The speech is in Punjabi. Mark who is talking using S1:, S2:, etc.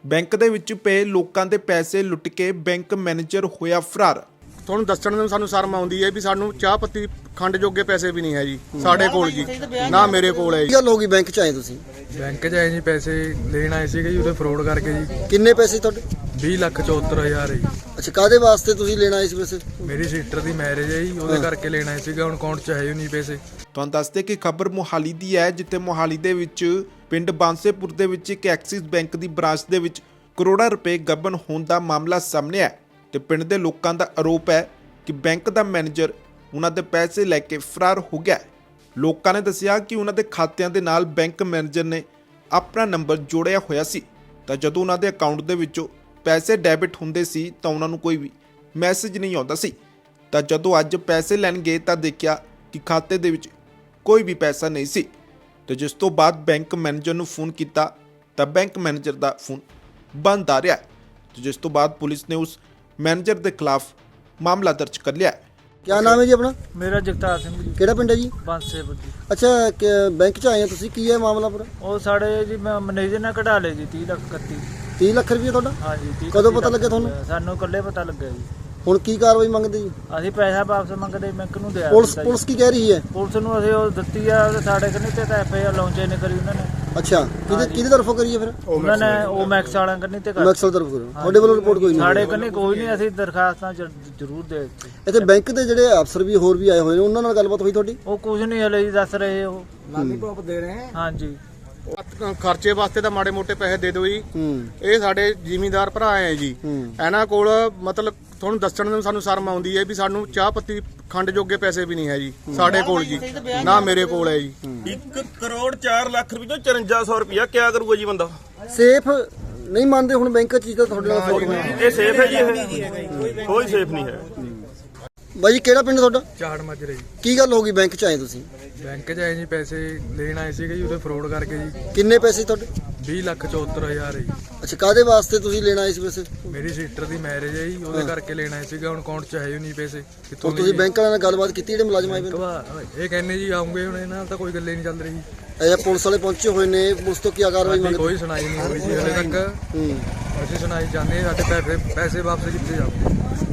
S1: ਬੈਂਕ ਦੇ ਵਿੱਚ ਪਏ ਲੋਕਾਂ ਦੇ ਪੈਸੇ ਲੁੱਟ ਕੇ ਬੈਂਕ ਮੈਨੇਜਰ ਹੋਇਆ ਫਰਾਰ।
S2: ਤੁਹਾਨੂੰ ਦੱਸਣ ਨੂੰ ਸਾਨੂੰ ਸ਼ਰਮ ਆਉਂਦੀ ਹੈ ਵੀ ਸਾਨੂੰ ਚਾਹ ਪੱਤੀ ਖੰਡ ਜੋਗੇ ਪੈਸੇ ਵੀ ਨਹੀਂ ਹੈ ਜੀ ਸਾਡੇ ਕੋਲ ਜੀ, ਨਾ ਮੇਰੇ ਕੋਲ ਹੈ ਜੀ।
S3: ਕੀ ਗੱਲ ਹੋ ਗਈ ਬੈਂਕ ਚ ਆਏ ਤੁਸੀਂ?
S4: ਬੈਂਕ 'ਚ ਆਏ ਜੀ, ਪੈਸੇ ਲੈਣ ਆਏ ਸੀਗੇ ਜੀ, ਉਹਦੇ ਫਰੋਡ ਕਰਕੇ ਜੀ।
S3: ਕਿੰਨੇ ਪੈਸੇ ਤੁਹਾਡੇ?
S4: 20,74,000 ਜੀ।
S3: ਅੱਛਾ, ਕਾਦੇ ਵਾਸਤੇ ਤੁਸੀਂ ਲੈਣ ਆਏ ਸੀ ਪੈਸੇ?
S4: ਮੇਰੀ ਸਿਸਟਰ ਦੀ ਮੈਰਿਜ ਹੈ ਜੀ, ਉਹਦੇ ਕਰਕੇ ਲੈਣ ਆਏ ਸੀਗਾ। ਹੁਣ ਅਕਾਊਂਟ 'ਚ ਹੈ ਹੀ ਨਹੀਂ ਪੈਸੇ।
S1: ਤੁਹਾਨੂੰ ਦੱਸਦੇ ਕਿ ਖਬਰ ਮੋਹਾਲੀ ਦੀ ਹੈ, ਜਿੱਥੇ ਮੋਹਾਲੀ ਦੇ ਵਿੱਚ ਪਿੰਡ ਬਾਂਸੇਪੁਰ ਦੇ ਵਿੱਚ ਇੱਕ ਐਕਸਿਸ ਬੈਂਕ ਦੀ ਬ੍ਰਾਂਚ ਦੇ ਵਿੱਚ ਕਰੋੜਾਂ ਰੁਪਏ ਗਬਨ ਹੋਣ ਦਾ ਮਾਮਲਾ ਸਾਹਮਣੇ ਆਇਆ ਤੇ ਪਿੰਡ ਦੇ ਲੋਕਾਂ ਦਾ ਆਰੋਪ ਹੈ ਕਿ ਬੈਂਕ ਦਾ ਮੈਨੇਜਰ ਉਹਨਾਂ ਦੇ ਪੈਸੇ ਲੈ ਕੇ ਫਰਾਰ ਹੋ ਗਿਆ। ਲੋਕਾਂ ਨੇ ਦੱਸਿਆ ਕਿ ਉਹਨਾਂ ਦੇ ਖਾਤਿਆਂ ਦੇ ਨਾਲ ਬੈਂਕ ਮੈਨੇਜਰ ਨੇ ਆਪਣਾ ਨੰਬਰ ਜੋੜਿਆ ਹੋਇਆ ਸੀ, ਤਾਂ ਜਦੋਂ ਉਹਨਾਂ ਦੇ ਅਕਾਊਂਟ ਦੇ ਵਿੱਚੋਂ ਪੈਸੇ ਡੈਬਿਟ ਹੁੰਦੇ ਸੀ ਤਾਂ ਉਹਨਾਂ ਨੂੰ ਕੋਈ ਵੀ ਮੈਸੇਜ ਨਹੀਂ ਆਉਂਦਾ ਸੀ। ਤਾਂ ਜਦੋਂ ਅੱਜ ਪੈਸੇ ਲੈਣ ਗਏ ਤਾਂ ਦੇਖਿਆ ਕਿ ਖਾਤੇ ਦੇ ਵਿੱਚ ਕੋਈ ਵੀ ਪੈਸਾ ਨਹੀਂ ਸੀ। ਤੇ ਜਿਸ ਤੋਂ ਬਾਅਦ ਬੈਂਕ ਮੈਨੇਜਰ ਨੂੰ ਫੋਨ ਕੀਤਾ ਤਾਂ ਬੈਂਕ ਮੈਨੇਜਰ ਦਾ ਫੋਨ ਬੰਦ ਆ ਰਿਹਾ ਤੇ ਜਿਸ ਤੋਂ ਬਾਅਦ ਪੁਲਿਸ ਨੇ ਉਸ ਮੈਨੇਜਰ ਦੇ ਖਿਲਾਫ ਮਾਮਲਾ ਦਰਜ ਕਰ ਲਿਆ।
S3: ਕੀ ਨਾਮ ਹੈ ਜੀ ਆਪਣਾ?
S5: ਮੇਰਾ ਜਗਤਾਰ ਸਿੰਘ ਜੀ,
S3: ਕਿਹੜਾ ਪਿੰਡ ਹੈ ਜੀ?
S5: ਬਾਂਸੇਪੁਰ ਜੀ।
S3: ਅੱਛਾ, ਬੈਂਕ ਚ ਆਏ ਆ ਤੁਸੀਂ, ਕੀ ਹੈ ਮਾਮਲਾ ਪੂਰਾ?
S5: ਉਹ ਸਾਡੇ ਜੀ ਮੈਨੇਜਰ ਨੇ ਕਢਾ ਲਏ ਜੀ 30,31,000।
S3: 30 ਲੱਖ ਰੁਪਏ ਤੁਹਾਡਾ?
S5: ਹਾਂਜੀ 30।
S3: ਕਦੋਂ ਪਤਾ ਲੱਗਿਆ ਤੁਹਾਨੂੰ?
S5: ਸਾਨੂੰ ਇਕੱਲੇ ਪਤਾ ਲੱਗਿਆ ਜੀ।
S3: ਹੁਣ ਕੀ ਕਾਰਵਾਈ ਮੰਗਦੇ ਜੀ?
S5: ਅਸੀਂ ਪੈਸਾ ਵਾਪਸ ਮੰਗਦੇ, ਬੈਂਕ ਨੂੰ ਦਿਆ
S3: ਪੁਲਿਸ
S5: ਦਿੱਤਾ ਜੀ।
S3: ਪੁਲਿਸ ਕੀ ਕਹਿ ਰਹੀ ਹੈ?
S5: ਪੁਲਿਸ ਨੂੰ ਅਸੀਂ ਉਹ ਦਿੱਤੀ ਆ, ਤੇ ਸਾਡੇ ਕੰਨੀ ਤੇ FIR ਲਾਂਚ ਨਹੀਂ ਕਰੀ ਉਹਨਾਂ ਨੇ।
S3: ਅੱਛਾ, ਕਿਹਦੀ ਤਰਫੋਂ ਕਰੀਏ ਫਿਰ?
S5: ਉਹਨਾਂ ਨੇ ਉਹ ਮੈਕਸ ਵਾਲਿਆਂ ਕੰਨੀ ਤੇ ਕਰ
S3: ਮੈਕਸਲ ਤਰਫ ਕਰੋ। ਤੁਹਾਡੇ ਵੱਲੋਂ ਰਿਪੋਰਟ ਕੋਈ ਨਹੀਂ?
S5: ਸਾਡੇ ਕੰਨੀ ਕੋਈ ਨਹੀਂ, ਅਸੀਂ ਦਰਖਾਸਤਾਂ ਜ਼ਰੂਰ ਦੇ ਦਿੱਤੀ।
S3: ਇੱਥੇ ਬੈਂਕ ਦੇ ਜਿਹੜੇ ਅਫਸਰ ਵੀ ਹੋਰ ਵੀ ਆਏ ਹੋਏ ਨੇ, ਉਹਨਾਂ ਨਾਲ ਗੱਲਬਾਤ ਹੋਈ ਤੁਹਾਡੀ?
S5: ਉਹ ਕੁਝ ਨਹੀਂ ਹਲੇ ਜੀ ਦੱਸ ਰਹੇ ਉਹ।
S2: ਲਾਲੀਪੌਪ ਦੇ ਰਹੇ
S5: ਹਾਂਜੀ,
S2: ਖਰਚੇ ਵਾਸਤੇ ਤਾਂ ਮਾੜੇ ਮੋਟੇ ਪੈਸੇ ਦੇ ਦਿਓ ਜੀ।
S3: ਹੂੰ
S2: ਇਹ ਸਾਡੇ ਜ਼ਿਮੀਂਦਾਰ ਭਰਾ ਹੈ ਜੀ, ਇਹਨਾਂ ਕੋਲ ਮਤਲਬ ਤੁਹਾਨੂੰ ਦੱਸਣ ਨੂੰ ਸਾਨੂੰ ਸ਼ਰਮ ਆਉਂਦੀ ਹੈ ਵੀ ਸਾਨੂੰ ਚਾਹ ਪੱਤੀ ਖੰਡ ਜੋਗੇ ਪੈਸੇ ਵੀ ਨਹੀਂ ਹੈ ਜੀ ਸਾਡੇ ਕੋਲ ਜੀ, ਨਾ ਮੇਰੇ ਕੋਲ ਹੈ ਜੀ।
S6: 1 ਕਰੋੜ 4 ਲੱਖ ਰੁਪਏ ਤੋਂ 5400 ਰੁਪਇਆ ਕਿਆ ਕਰੂਗਾ ਜੀ ਬੰਦਾ?
S3: ਸੇਫ ਨਹੀਂ ਮੰਨਦੇ ਹੁਣ ਬੈਂਕ ਚ ਤਾਂ ਤੁਹਾਡੇ ਨਾਲ ਫਰੋਡ ਹੋਇਆ?
S6: ਇਹ ਸੇਫ ਹੈ ਜੀ? ਇਹ ਕੋਈ ਸੇਫ ਨਹੀਂ ਹੈ।
S3: ਬਾਈ ਕਿਹੜਾ ਪਿੰਡ ਤੁਹਾਡਾ?
S4: ਝਾੜ ਮਾਜਰੇ ਜੀ।
S3: ਕੀ ਗੱਲ ਹੋ ਗਈ ਬੈਂਕ ਚ ਆਏ ਤੁਸੀਂ?
S4: ਬੈਂਕ 'ਚ ਆਏ ਜੀ, ਪੈਸੇ ਲੈਣ ਆਏ ਸੀਗੇ ਜੀ, ਉਹਦੇ ਫਰੋਡ ਕਰਕੇ ਜੀ।
S3: ਕਿੰਨੇ ਪੈਸੇ ਤੁਹਾਡੇ?
S4: 20,74,000 ਜੀ।
S3: ਅੱਛਾ, ਕਾਦੇ ਵਾਸਤੇ ਤੁਸੀਂ ਲੈਣ ਆਏ ਸੀ ਪੈਸੇ?
S4: ਮੇਰੀ ਸਿਸਟਰ ਦੀ ਮੈਰਿਜ ਹੈ ਜੀ, ਉਹਦੇ ਕਰਕੇ ਲੈਣ ਆਏ ਸੀਗਾ। ਹੁਣ ਅਕਾਊਂਟ 'ਚ ਹੈ ਹੀ ਨਹੀਂ ਪੈਸੇ। ਕਿੱਥੋਂ
S3: ਹੁਣ ਤੁਸੀਂ ਬੈਂਕ ਵਾਲਿਆਂ ਨਾਲ ਗੱਲਬਾਤ ਕੀਤੀ, ਜਿਹੜੇ ਮੁਲਾਜ਼ਮ ਆਏ ਹੋਏ ਨੇ?
S4: ਇਹ ਕਹਿੰਦੇ ਜੀ ਆਉਂਗੇ, ਹੁਣ ਇਹਨਾਂ ਨਾਲ ਤਾਂ ਕੋਈ ਗੱਲ ਹੀ ਨਹੀਂ ਚੱਲ ਰਹੀ।
S3: ਇਹ ਪੁਲਿਸ ਵਾਲੇ ਪਹੁੰਚੇ ਹੋਏ ਨੇ, ਪੁਲਿਸ ਤੋਂ ਕੀ ਕਾਰਵਾਈ
S4: ਸਾਡੀ
S3: ਮੰਗਦੇ?
S4: ਕੋਈ ਸੁਣਾਈ ਨਹੀਂ ਹੋਈ ਜੀ ਹਲੇ ਤੱਕ। ਅਸੀਂ ਸੁਣਾਈ ਚਾਹੁੰਦੇ ਹਾਂ, ਸਾਡੇ ਪੈਸੇ ਵਾਪਸ ਕੀਤੇ ਜਾਣ।